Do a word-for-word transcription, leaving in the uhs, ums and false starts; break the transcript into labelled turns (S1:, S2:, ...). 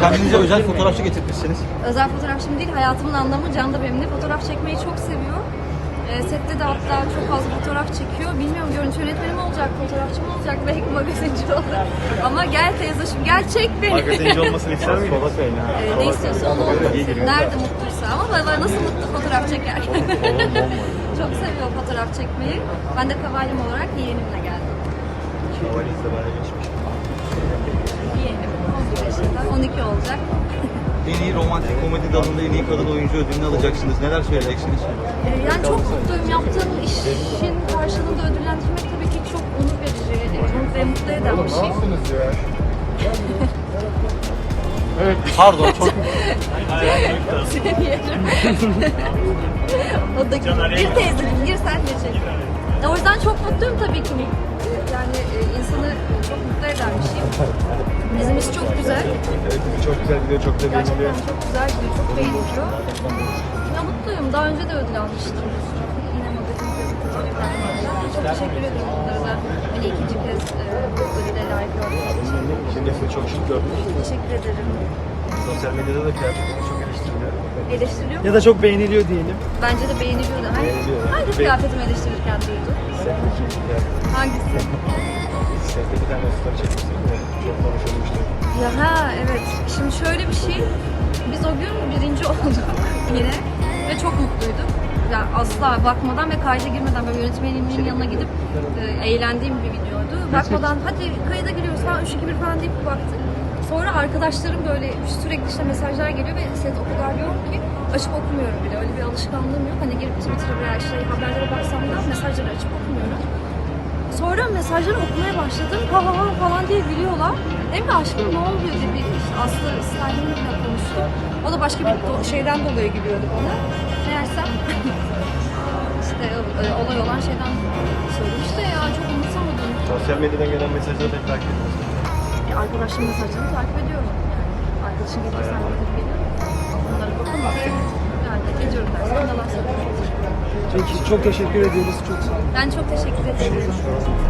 S1: Kendinize özel fotoğrafçı getirmişsiniz.
S2: Özel fotoğrafçım değil, hayatımın anlamı Can da benimle fotoğraf çekmeyi çok seviyor. E, sette de hatta çok fazla fotoğraf çekiyor. Bilmiyorum, görüntü yönetmeni mi olacak, fotoğrafçı mı olacak, belki magazinci olur. Ama gel teyzeciğim, gel çek beni.
S3: Magazinci olmasını ister miydin?
S2: e, ne istiyorsa onu olmasın. Nerede mutluysa, ama baba nasıl mutlu fotoğraf çeker. Çok seviyor fotoğraf çekmeyi. Ben de kavalim olarak yeğenimle geldim.
S3: Kavalizde böyle geçmiş.
S2: Yeğenim on bir yaşında, on iki olacak.
S1: En iyi romantik komedi dalında en iyi kadın oyuncu ödülünü alacaksınız. Neler söyleyeceksiniz?
S2: Ee, Yani çok mutluyum. Yaptığım işin karşılığında ödüllendirmek tabii ki çok onur verici ve mutlu eden bir şey.
S1: Pardon, çok
S2: Seni yerim. O da gir teyzeciğim, gir sen de çek. O yüzden çok mutluyum tabii ki. Yani e, insanı çok mutlu eden bir şey. Bizim iş çok güzel.
S3: Evet, çok güzel gidiyor, çok da
S2: Gerçekten
S3: beğeniliyor.
S2: çok güzel gidiyor, çok beğeniliyor. Ya mutluyum. Daha önce de ödül almıştım. Yine magazin gazetecilikten. Çok teşekkür ederim onlara da. Hani ikinci kez e, bu ödüle layık olduğunuz için.
S3: Şimdi sizi çok şık gördük.
S2: Teşekkür ederim.
S3: Sosyal medyada da kıyafetiniz çok eleştiriliyor.
S2: Eleştiriliyor mu?
S4: Ya da çok beğeniliyor diyelim.
S2: Bence de beğeniliyor da. Hangi,
S3: Beğeniliyor.
S2: hangi kıyafetimi eleştirirken duydun?
S3: Setteki kıyafet.
S2: Hangisi?
S3: Sette bir tane story çekmişsiniz de çok konuşulmuştu.
S2: Ya ha evet. Şimdi şöyle bir şey. Biz o gün birinci olduk yine ve çok mutluyduk. Yani asla bakmadan ve kayda girmeden böyle yönetmenimin yanına gidip e, eğlendiğim bir videoydu. Bakmadan hadi kayda giriyoruz falan üç iki bir falan deyip baktık. Sonra arkadaşlarım böyle sürekli işte mesajlar geliyor ve set o kadar yoğun ki açıp okumuyorum bile. Öyle bir alışkanlığım yok. Hani girip Twitter'a veya işte haberlere baksam da mesajları açıp okumuyorum. Sonra mesajları okumaya başladım. Ha ha ha falan diye gülüyorlar. Dedim ki aşkım ne oluyor diye bir işte Aslı İsrail'inle konuştu. O da başka bir do- şeyden dolayı gülüyordu bana. Meğersem işte e, olay olan şeyden söylemiş de ya çok umursamadım.
S3: Sosyal medyadan gelen mesajları pek takip ediyorsunuz.
S2: E, arkadaşlarım mesajlarını takip ediyorum. Yani arkadaşım gelirse anlatıp geliyorum. Onlara bakılmaz. Yani ediyorum dersen yalan söylüyorum.
S4: Peki çok teşekkür ediyoruz. Çok sağ olun.
S2: Ben çok teşekkür ederim.